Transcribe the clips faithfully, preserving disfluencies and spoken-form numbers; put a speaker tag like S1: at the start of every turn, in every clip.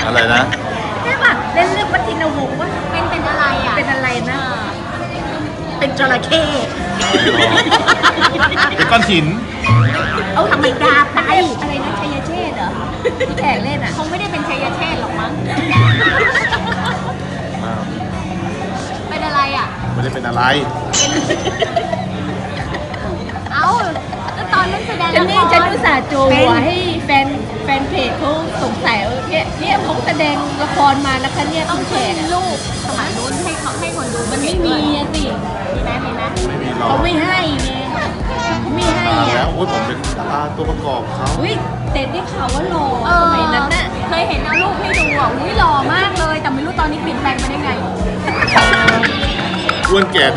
S1: อะไรนะ
S2: ใช่ป่ะเล่นเรื่องวัฒนวงศ์ว่า
S3: เป็นเป็นอะไรอ่ะ
S2: เป็นอะไรนะเป็นจระเข้
S1: เป็นก้อนหิน
S2: เอาธรรมดาไปอะไรนะชัยเชษฐ์เหรอที่แขกเล่นอ่ะ
S3: คงไม่ได้เป็นชัยเชษฐ์หรอกมั้งเป็นอะไรอ่ะ
S1: ไม่ได้เป็นอะไร
S3: เอ้าแล้วตอนนั้นแสดง
S2: ฉัน
S3: ละ
S2: นี่
S3: ค
S2: ฉัน
S3: ร
S2: อุตส่าห์โจหัวให้แฟนแฟนเพจเขาสงสัยว่าเนี่ยเนี่ยเขาแสดงละครมานะคะเนี่ย
S3: ต้
S2: คุ
S3: อง
S2: ณแข
S3: ขึ้น
S2: กอะ
S3: รูปสมัยนู้นให้เขาให้คนดู
S2: มันไม่มีอะสิ
S3: มีไหมมีไหม
S1: ไม่มีหรอก
S2: เขาไม่ให้ไงเขาไม่ให้
S1: มาแล้
S2: อ่ะ
S1: วโอ้ยผมเป็นดาราตัวประกอบเขา
S2: อุ้ยเต็ดได้ข่าวว่าหล่อ
S3: เอ
S2: ส
S3: อ
S2: มัยนั้นน่ะ
S3: เคยเห็นเอารูปให้ดูอ่ะอุ้ยหล่อมากเลย แต่ไม่รู้ตอนนี้เปลี่ยนแปลงไปได้ไง
S1: อ้วนแก่ด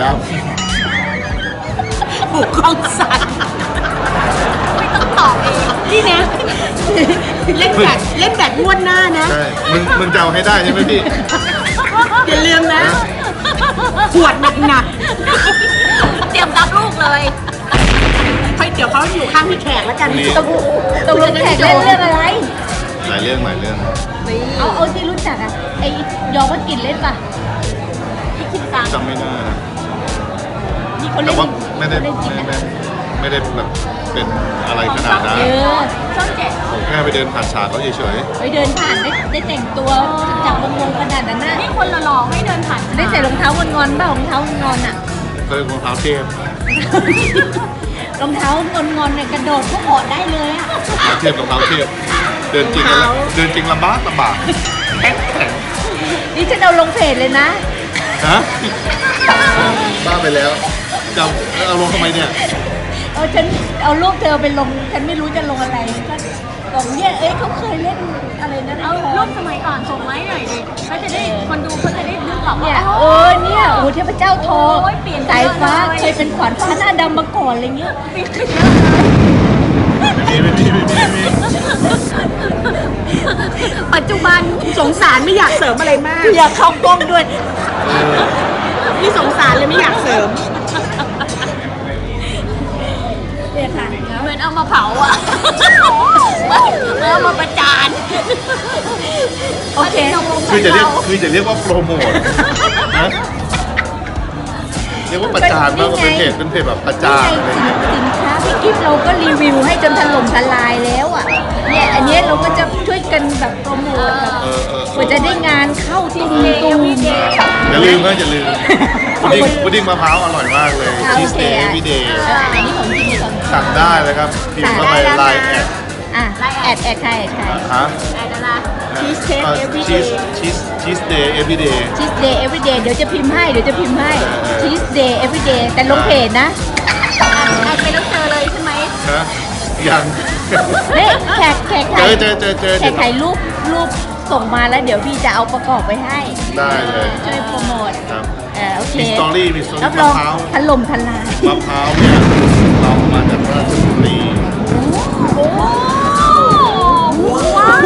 S2: บุกกองสัตว์
S3: ไม่ต้องตอบเอง
S2: นี่นะเล่นแบบเล่นแบบงวดหน้านะ
S1: ำใช่มึงมึงจะเอาให้ได้ใช่ไหมพี่
S2: อย่าลืมนะขวดหนักหนัก
S3: เตรียมรับลูกเลย
S2: ๆค่อยเดี๋ยวเขาอยู่ข้างพี่แขกแล้วกัน
S1: นี่
S2: ตกตกลงแขกเล่นเรื่องอะไร
S1: หลายเรื่องหลายเรื่อง
S2: เอาเอาที่รู้จักอ่ะไอ้ยอวัดกินเล่นป่ะ
S3: พี่คิดตังค์
S1: จำไม่ได้นะ
S2: นี่เขา
S1: แต่
S2: เล่น
S1: ว่าไม่ได้
S2: เขาเล่นจริง
S1: ไม่
S2: นะ
S1: ได้ไม่ได้แบบเป็นอะไรขนาดนั้น
S2: เออ
S3: ช่องเจ็ด
S1: ผมแค่ไปเดินผ่านฉากเขาเฉย
S2: ไปเดินผ่านได้ได้แต่งตัวจากวงวงขนาดนั้นน่ะ
S3: นี่คนหล่อๆให้เดินผ่าน
S2: ได้ใส่รองเท้างอนๆเปล่ารองเท้างอนๆอ่ะ
S1: ๆเคยรองเท้าเทพ
S2: รองเท้างอนๆเนี่ยกระโดดก็ออดได้เลยอ่ะ
S1: รองเท้าเทพรองเท้าเทพเดินจริงแล้วเดินจริงลำบากลำบากแข็งแข็ง
S2: นี่ฉันเอาลงเพจเลยนะ
S1: ฮะบ้าไปแล้วจะเอาลงทำไมเนี่ย
S2: เออฉันเอารูปเธอไปลงฉันไม่รู้จะลงอะไรก็บอกเนี่ยเอ้ยเขาเคยเล่นอะไรนะ
S3: เอารูปสมัยก่อนส่งไว้หน่อยดิเขาจะได้คนดูเขาจะได้นึกออก
S2: เนี่
S3: ว่าย
S2: เออเนี่ยโอ้โหเทพเจ้าทอง
S3: โอ้ยเปลี่ยนไป
S2: สายฟ้า
S3: เยอะเลย
S2: เคยเป็นขวัญฟ้าหน้าดำมาก่อนอะไรเงี้ย
S3: เปลี่ยนไปเยอะเลย
S1: ไม่มีไม่มีไม่มีไม่มี
S2: ปัจจุบันสงสารไม่อยากเสริมอะไรมากอยากเข้ากล้องด้วยนี่สงสารเลยไม่อยากเสริมเนี่ยค่ะ
S3: เหมือนเอามาเผาอ่ะเหมือนเอามาประจาน
S2: โอเค
S1: คือจะเรียกคือจะเรียกว่าโปรโมทนะเรียกว่าประจานมากกว่าเป็นเพจเป็นเพจแบบประจานอะไรอย่างเงี้ย
S2: สินค้าพี่กิฟต์เราก็รีวิวให้จนถล่มทลายแล้วอ่ะเนี่ยอันเนี้ยเราก็จะช่วยกันแบบโปรโมทแบบ
S1: เออเออ
S2: กว่าจะได้งานเข้าตุ้มตุ้ม
S1: อย่าลืมนะอย่าลืมพุดดิ้งพุดดิ้งมะพร้าวอร่อยมากเลยชีสเดย์วีเดย์
S2: อันนี้ของจริงของจริง
S1: สั่งได้เลยครับพิมพ์เข้าไปไลน์แอด
S2: อ่ะแอดแอดใครแอดใคร
S1: ฮะ
S3: ไอ้นั่นนะ
S2: Cheesecake everyday
S1: ชีสชีสชีสเดย์เอฟวีเดย์
S2: ชีสเดย์ everyday เดี๋ยวจะพิมพ์ให้เดี๋ยวจะพิมพ์ให้ชีสเดย์ everyday แต่ลงเพจนะ
S3: ไอ้ไปแล้วเจอเลยใช่ไหม
S1: นะยัง
S2: เฮ้ยแขกแขก
S1: เจ
S2: ถ่าย
S1: อเจอเจอเจอ
S2: แขกถ่ายรูปรูปส่งมาแล้วเดี๋ยวพี่จะเอาประกอบไว้ให้
S1: ได้เลย
S2: ช่วยโปรโมท
S1: ครับ
S2: เออโอเค
S1: มีสตอรี่มีสตอรี่
S2: รับรอง
S1: มะพร้าว
S2: ถล่มทลาย
S1: มะพร้าวเนี่ยเรามาจากราชบุรี
S3: โอ้ว้าว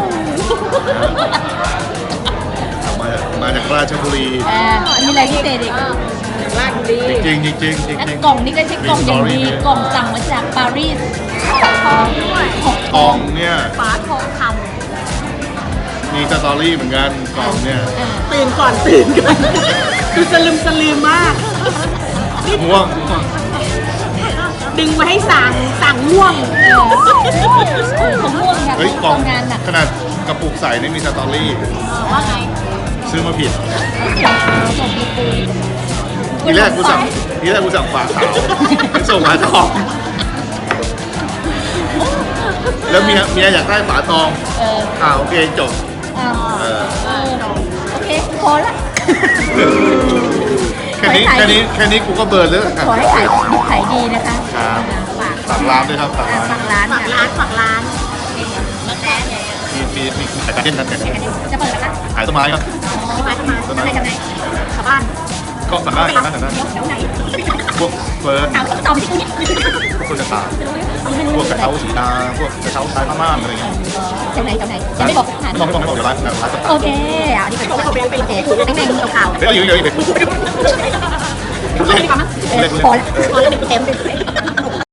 S1: เอามามาจากราชบุรี
S2: เออมีอะไรพิเศษอีกราชบุรี
S1: จริงๆจริงๆจริงๆจ
S2: และ
S1: ริงๆ
S2: กล่องนี้ก็ใช่กล่องอย่างดี
S1: มี story
S2: กล่องสั่งมาจากปารีส
S3: ทองด้วย
S1: กล่องเนี่ย
S3: ฝาทองค
S1: มีสตอรี่เหมือนกันกล่องเนี่ย
S2: เออ
S4: ตื่นก่อนตื่นก่อนดูสลืมสลืมมาก
S1: ม่วงม่วง
S4: ดึงมาให้สั่งสั่งง่วง
S2: เออเขาม่วงค่ะ
S1: เฮ้ยกล่อง
S2: ทำงานหนัก
S1: ขนาดกระปุกใส่นี่มีสตอรี่
S3: ำว่าไง
S1: ซื้อมาผิด
S2: ส่งมีปู
S1: ทีแรกกูสั่งทีแรกกูสั่งฝาขาวส่งฝาทองแล้วเมียเมียอยากได้ฝาทอง
S2: เออ
S1: อ่าโอเคจบ
S2: อ่า
S1: เออ
S2: เออโอเคพอละ
S1: แค่นี้
S2: ขอให้ขาย
S1: แค่นี้แค่นี้กูก็เบิร์นแล้ว
S2: ขอให้ขายดีขายดีนะคะ
S1: ครับ
S2: ฝาก
S1: ฝากร้านด้วยครับฝาก
S2: อ่า
S1: ร้าน
S2: ฝากร้าน
S4: ฝาก
S2: ค่ะ
S4: ร้านฝากร้าน
S2: แล้วแต่เนี่ย
S1: มีมีมีขายการเล่นกันแต่
S2: จะเปิดแล้วนะ
S1: ขายต้นไม้ครับ
S4: ทำไมทำไม
S1: ต้น
S2: ทำไม
S1: ไม้
S2: ทำไม
S4: ชาวบ้าน
S1: ก็สั่งได้สั่งได้สั่งได้
S2: เดี๋ยวเดี๋ยวไหน
S1: พวกเฟิร์น
S2: ถามตอบที่คุณ
S1: พวกคนจะตายพวกกระเช้าสีดาพวกกระเช้าชายพม่าอะไรเงี้ย
S2: แถวไหนแถวไหนยังไม่บอกสถาน
S1: ไม่บอกไม่บอกไม่บอกเดี๋ยวร้านเดี๋ยวร้านจะ
S2: โอเคอ่ะนี่เป็นโอเคโอเคแม่งๆข่าว
S1: เดี๋ยวอยู่เดี๋ยวอยู่เดี๋ยว
S2: ๆ
S1: เล่น
S2: เออ
S1: เล่น
S2: พอละพอละเต็มเต็ม